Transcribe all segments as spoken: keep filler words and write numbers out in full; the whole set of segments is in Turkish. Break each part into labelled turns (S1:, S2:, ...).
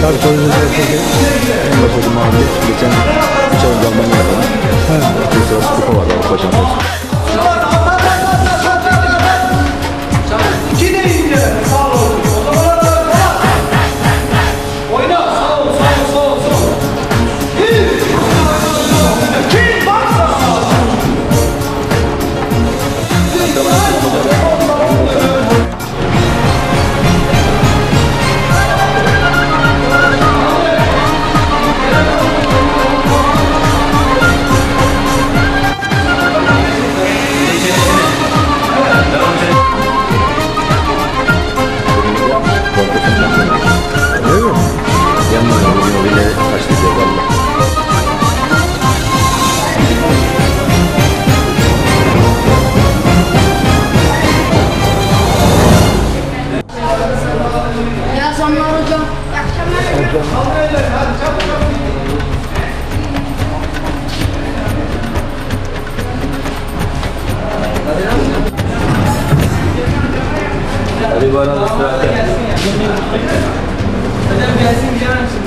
S1: Abi sorunuz peki? En başarılı mahalle geçen üç ay önce Almanya'da. Evet. Bir sıra kupa vardı Avrupa Şampiyonası.
S2: Hadi bana da sıra. Hocam gelsin gider misin?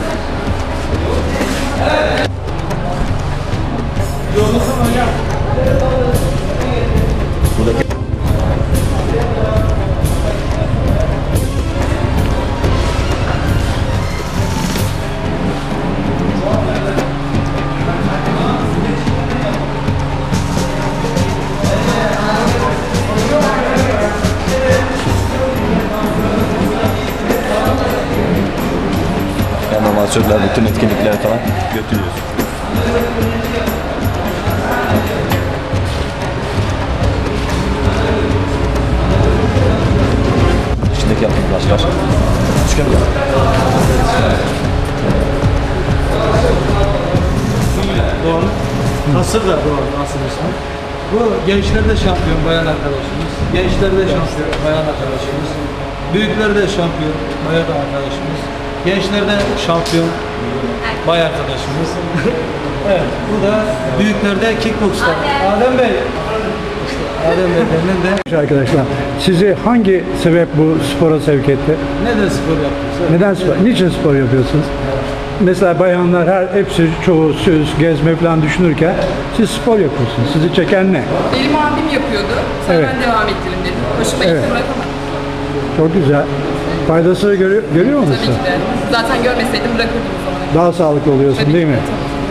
S2: Yollasın hocam.
S1: Buradaki amatörler bütün etkinliklere falan götürüyoruz. İçindeki yaptığımız başlar. Üçgen mi?
S3: Doğru. Nasır da doğru. Nasır ismi. Bu gençlerde şampiyon bayan arkadaşımız. Gençlerde şampiyon bayan arkadaşımız. Büyüklerde şampiyon bayan arkadaşımız. Gençlerde şampiyon bay arkadaşımız. Evet, bu da büyüklerde kickbox'ta. Adem Bey. İşte Adem Bey'den de.
S4: Arkadaşlar, sizi hangi sebep bu spora sevk etti?
S3: Neden spor yapıyorsunuz?
S4: Neden spor? Niçin spor yapıyorsunuz? Mesela bayanlar her hepsi çoğu söz, gezme falan düşünürken siz spor yapıyorsunuz. Sizi çeken ne?
S5: Benim abim yapıyordu. Sonra
S4: Evet.
S5: ben devam ettirim dedim. Hoşuma
S4: Evet.
S5: gitti, bırakamadım.
S4: Çok güzel. Faydasını görüyor, görüyor musun?
S5: Tabii ki de. Zaten görmeseydim bırakırdım o zaman.
S4: Daha sağlıklı oluyorsun
S5: Tabii
S4: değil
S5: ki
S4: mi?
S5: de,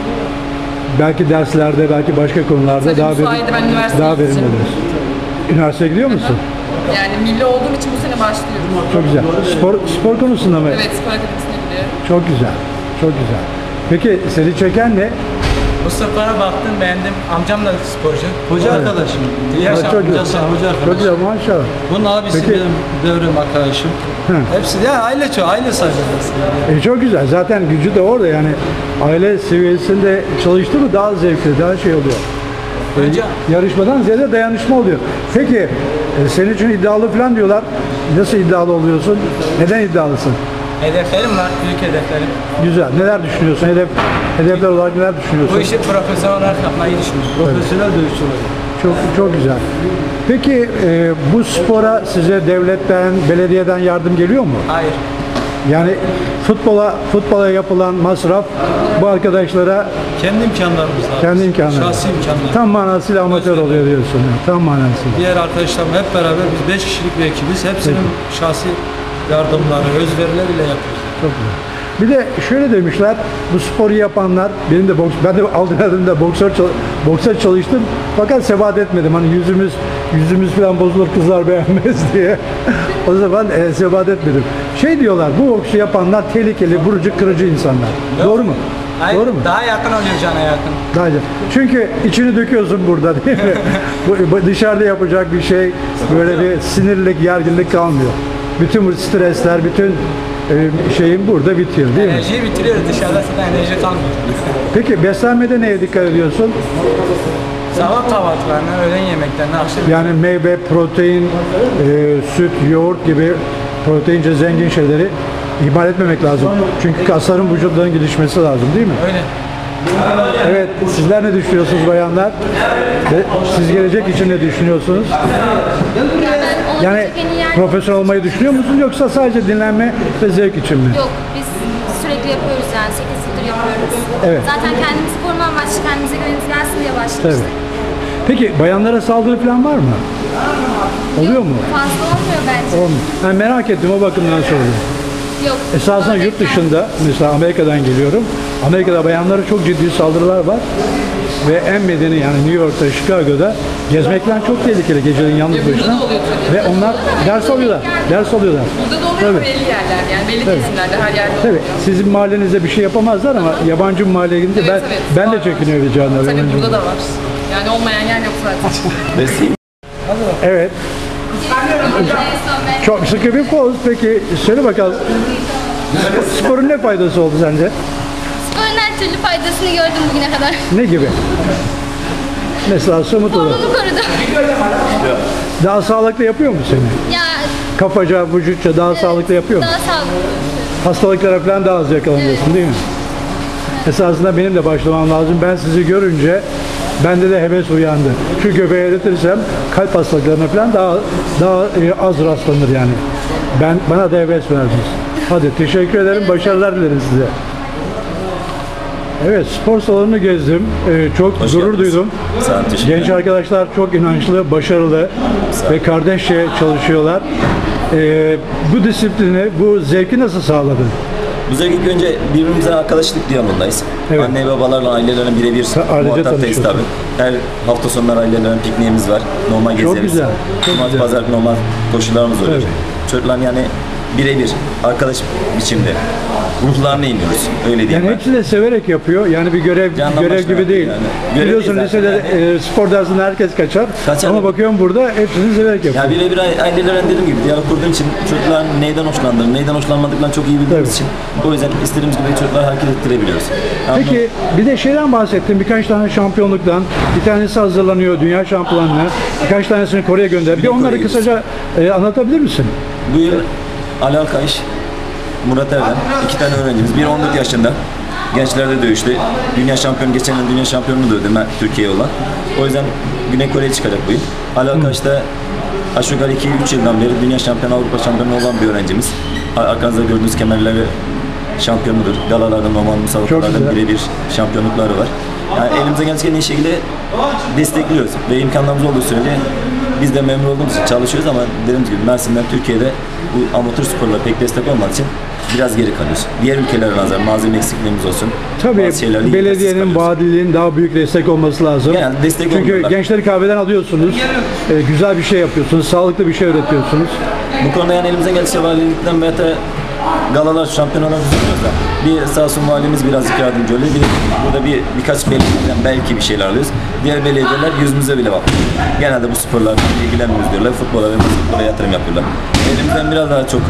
S5: tabii.
S4: Belki derslerde, belki başka konularda
S5: Tabii,
S4: daha
S5: bu sayede ben üniversiteye
S4: daha verimli
S5: gideceğim.
S4: oluyorsun. Üniversiteye gidiyor musun?
S5: Yani milli olduğum için bu sene başlıyorum.
S4: Çok güzel. Spor spor konusunda mı?
S5: Evet, spor akademisine gidiyorum.
S4: Çok güzel. Çok güzel. Peki seni çeken ne?
S6: Bu spora baktım, beğendim. Amcam da sporcu.
S3: Hoca
S4: Evet.
S3: arkadaşım.
S4: Ha,
S3: Yaşam,
S4: çok güzel.
S3: hocası, hoca
S4: Çok
S3: arkadaşım.
S4: güzel maşallah.
S3: Bunun abisi
S4: Peki.
S3: benim devrim arkadaşım.
S4: Hı.
S3: Hepsi de aile çoğu, aile sayılır.
S4: E çok güzel. Zaten gücü de orada yani aile seviyesinde çalıştı mı daha zevkli, daha şey oluyor.
S6: Önce
S4: E, yarışmadan ziyade dayanışma oluyor. Peki e, senin için iddialı falan diyorlar. Nasıl iddialı oluyorsun? Neden iddialısın?
S6: hedeflerim var, büyük hedeflerim.
S4: Güzel. Neler düşünüyorsun? Hedef hedefler olarak neler düşünüyorsun?
S6: Bu işi profesyonel olarak yapmayı düşünüyorum.
S3: Profesyonel dövüşçü olacak.
S4: Çok çok güzel. Peki e, bu spora size devletten, belediyeden yardım geliyor mu?
S6: Hayır.
S4: Yani futbola futbola yapılan masraf bu arkadaşlara
S3: Kendi imkanlarımızla.
S4: kendi imkanları.
S3: Şahsi imkanlar.
S4: Tam manasıyla amatör oluyor diyorsun. Yani. Tam manasıyla.
S3: Diğer arkadaşlarım hep beraber biz beş kişilik bir ekibiz. Hepsinin şahsi yardımları, özverileriyle yapıyoruz.
S4: Çok güzel. Bir de şöyle demişler, bu sporu yapanlar, benim de boks, ben de Aldıner'de boksör, boksör çalıştım fakat sebat etmedim. Hani yüzümüz yüzümüz falan bozulur, kızlar beğenmez diye. O zaman e, sebat etmedim. Şey diyorlar, bu boksu yapanlar tehlikeli, vurucu, kırıcı insanlar. Doğru mu?
S6: Hayır,
S4: Doğru mu?
S6: daha yakın oluyor cana yakın.
S4: Daha iyi. Çünkü içini döküyorsun burada değil mi? bu, bu dışarıda yapacak bir şey, böyle bir sinirlik, gerginlik kalmıyor. Bütün bu stresler, bütün e, şeyin burada bitiyor değil mi?
S6: Enerjiyi bitiriyoruz, dışarıda zaten enerji kalmıyor.
S4: Peki beslenmede neye dikkat ediyorsun?
S6: Sabah kahvaltılarına, öğlen yemeklerine, akşam
S4: Yani meyve, protein, e, süt, yoğurt gibi proteince zengin şeyleri ihmal etmemek lazım. Çünkü kasların vücutların gelişmesi lazım değil mi?
S6: öyle.
S4: Evet, sizler ne düşünüyorsunuz bayanlar? Ve siz gelecek için ne düşünüyorsunuz? Yani profesyonel olmayı düşünüyor musunuz yoksa sadece dinlenme ve zevk için mi?
S7: Yok, biz sürekli yıldır yapıyoruz yani. sekiz yıldır yapıyoruz.
S4: Evet.
S7: Zaten kendimiz sporuma amaçlı, kendimize güvenimiz gelsin diye başlamıştık.
S4: Evet. Peki bayanlara saldırı falan var mı? Oluyor mu?
S7: Fazla olmuyor bence.
S4: Olmuyor. Ben merak ettim, o bakımdan sordum.
S7: Yok.
S4: Esasında yurt dışında, mesela Amerika'dan geliyorum. Amerika'da bayanlara çok ciddi saldırılar var. Ve en medeni yani New York'ta, Chicago'da gezmekten çok tehlikeli gecenin yalnız
S5: Ya burada
S4: başına.
S5: da oluyor tabii.
S4: Ve onlar ders alıyorlar. Ders alıyorlar.
S5: Burada da oluyor
S4: Tabii.
S5: ama belli yerlerde yani belli
S4: Tabii.
S5: kesimlerde her yerde
S4: Tabii
S5: oluyor.
S4: sizin mahallenizde bir şey yapamazlar ama yabancı bir mahalleye gidince
S5: Evet,
S4: ben
S5: evet.
S4: ben de
S5: Var.
S4: çekiniyorum canım.
S5: Tabii
S4: yabancı.
S5: burada da var. Yani olmayan yer yok zaten.
S4: Evet. Çok sıkı bir poz. Peki söyle bakalım. Sporun ne faydası oldu sence?
S7: Sporun her türlü faydasını gördüm bugüne kadar.
S4: Ne gibi? Mesela somut olarak.
S7: Formumu korudu.
S4: Daha sağlıklı yapıyor mu seni?
S7: Ya
S4: Kafaca, vücutça daha sağlıklı yapıyor mu?
S7: daha sağlıklı.
S4: Hastalıklara falan daha az yakalanıyorsun değil mi? Esasında benim de başlamam lazım. Ben sizi görünce bende de heves uyandı. Şu göbeği eritirsem kalp hastalıklarına falan daha daha e, az rastlanır yani. Ben bana da heves verdiniz. Hadi teşekkür ederim. Başarılar dilerim size. Evet, spor salonunu gezdim. Ee, çok
S8: Hoş
S4: gurur
S8: geldiniz.
S4: duydum.
S8: Sağ olun, teşekkür
S4: Genç
S8: ederim.
S4: arkadaşlar çok inançlı, başarılı ve kardeşçe çalışıyorlar. Ee, bu disiplini, bu zevki nasıl sağladın?
S8: Bu zevk ilk önce birbirimize arkadaşlık diyalogundayız.
S4: Evet.
S8: Anne babalarla ailelerin birebir
S4: ailece
S8: muhataptayız tabii.
S4: tanışıyorsun.
S8: Her hafta sonları ailelerin pikniğimiz var. Normal gezeriz.
S4: güzel, çok
S8: Cumartesi,
S4: güzel.
S8: pazar normal koşularımız oluyor.
S4: Evet.
S8: Çocukların yani birebir arkadaş biçimde ruhlarına iniyoruz. Öyle diyeyim
S4: Yani
S8: ben.
S4: hepsi de severek yapıyor. Yani bir görev
S8: Candan
S4: görev
S8: başla
S4: gibi değil.
S8: yani. Görev
S4: Biliyorsun
S8: değil zaten
S4: lisede
S8: yani.
S4: e, spor dersinde herkes kaçar.
S8: Kaçar.
S4: Ama bakıyorum burada hepsini severek yapıyor.
S8: Ya birebir ailelerin dediğim gibi diyalog kurduğum için çocukların neyden hoşlandığını, neyden hoşlanmadıklarını çok iyi bildiğimiz
S4: Tabii.
S8: için o yüzden istediğimiz gibi çocukları hareket ettirebiliyoruz. Yani
S4: Peki bir de şeyden bahsettim. Birkaç tane şampiyonluktan. Bir tanesi hazırlanıyor dünya şampiyonluğuna. Birkaç tanesini Kore'ye gönder. Bir
S8: Güney
S4: onları
S8: Kore'ye
S4: kısaca e, anlatabilir misin?
S8: Bu yıl Ali Alkayış, Murat Erdem, iki tane öğrencimiz. Biri on dört yaşında. Gençlerde dövüştü. Dünya şampiyonu, geçen yıl dünya şampiyonunu dövdü Türkiye'ye olan. O yüzden Güney Kore'ye çıkacak bu yıl. Ali Alkayış da aşağı yukarı iki üç yıldan beri dünya şampiyonu, Avrupa şampiyonu olan bir öğrencimiz. Arkanızda gördüğünüz kemerleri şampiyonudur. Galalarda, normal müsabakalarda
S4: güzel.
S8: birebir şampiyonlukları var. Yani elimize gerçekten iyi şekilde destekliyoruz ve imkanlarımız olduğu sürece biz de memnun olduğumuz için çalışıyoruz ama dediğimiz gibi Mersin'den Türkiye'de bu amatör sporlara pek destek olmadığı için biraz geri kalıyoruz. Diğer ülkelere nazaran malzeme eksikliğimiz olsun.
S4: Tabii
S8: bazı şeylerle yetersiz
S4: belediyenin,
S8: kalıyoruz.
S4: valiliğin daha büyük destek olması lazım.
S8: Yani destek
S4: Çünkü
S8: olmuyorlar.
S4: gençleri kahveden alıyorsunuz. e, güzel bir şey yapıyorsunuz. Sağlıklı bir şey üretiyorsunuz.
S8: Bu konuda yani elimizden geldikçe valilikten veya da galalar, şampiyonalar düzenliyoruz da bir sağ olsun valimiz birazcık yardımcı oluyor. Bir de burada bir birkaç belediyeden belki bir şeyler alıyoruz. Diğer belediyeler yüzümüze bile bakıyor. Genelde bu sporlarla ilgilenmiyoruz diyorlar. Futbola ve basketbola yatırım yapıyorlar. Elimizden biraz daha çok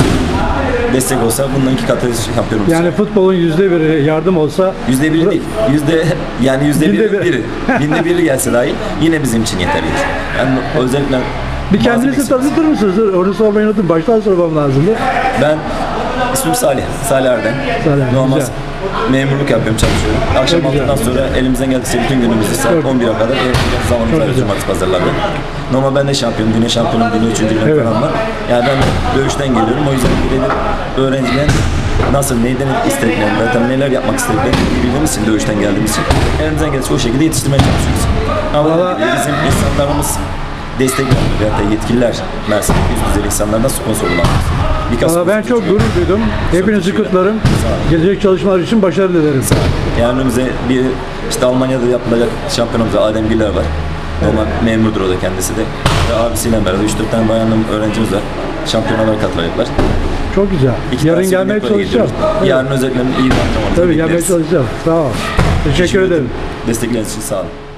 S8: destek olsa bundan iki katı şampiyonumuz.
S4: Yani futbolun yüzde biri yardım olsa
S8: Yüzde biri değil. Yüzde yani yüzde
S4: Binde
S8: biri,
S4: bir.
S8: biri. Binde biri gelse dahi yine bizim için yeterli. Yani özellikle
S4: bir
S8: malzeme
S4: kendinizi
S8: eksikliği.
S4: tanıtır mısınız? Dur, onu sormayı unuttum. Baştan sormam lazımdı.
S8: Ben ismim Salih. Salih Erdem.
S4: Salih,
S8: Normal
S4: güzel.
S8: memurluk yapıyorum, çalışıyorum. Akşam
S4: Çok güzel.
S8: altıdan sonra elimizden geldikçe bütün günümüzü saat
S4: Çok
S8: on bire kadar ev zamanımız var
S4: güzel.
S8: cumartesi pazarlarda. Normal ben de şampiyonum, dünya şampiyonum, dünya üçüncülüğüm
S4: Evet.
S8: falan var. Yani ben dövüşten geliyorum. O yüzden birebir öğrencilerin nasıl, neyden istediklerini, zaten neler yapmak istediklerini bildiğimiz için, dövüşten geldiğimiz için elimizden geldikçe o şekilde yetiştirmeye çalışıyoruz. Ama
S4: Vallahi-
S8: dediğim gibi bizim insanlarımız destek vermiyor. Veyahut da yetkililer Mersin'deki üst düzey insanlardan sponsor bulamıyoruz. Birkaç
S4: Valla ben çok gurur duydum. Hepinizi
S8: teşekkür
S4: kutlarım.
S8: Sağ olun.
S4: Gelecek çalışmalar için başarı dilerim.
S8: Yani önümüzde bir işte Almanya'da yapılacak şampiyonumuz var. Adem Güler var. Normal memurdur o da kendisi de. Ve abisiyle beraber üç dört tane bayanlı öğrencimiz var. Şampiyonalara katılacaklar.
S4: Çok güzel.
S8: İki
S4: Yarın
S8: tanesi
S4: gelmeye
S8: Güney Kore'ye
S4: çalışacağım.
S8: gidiyoruz.
S4: Evet.
S8: Yarın özellikle iyi bir antrenmanımızı
S4: Tabii gelmeye
S8: bekleriz.
S4: çalışacağım. Sağ ol. Teşekkür ederim.
S8: Destekleriniz için sağ olun.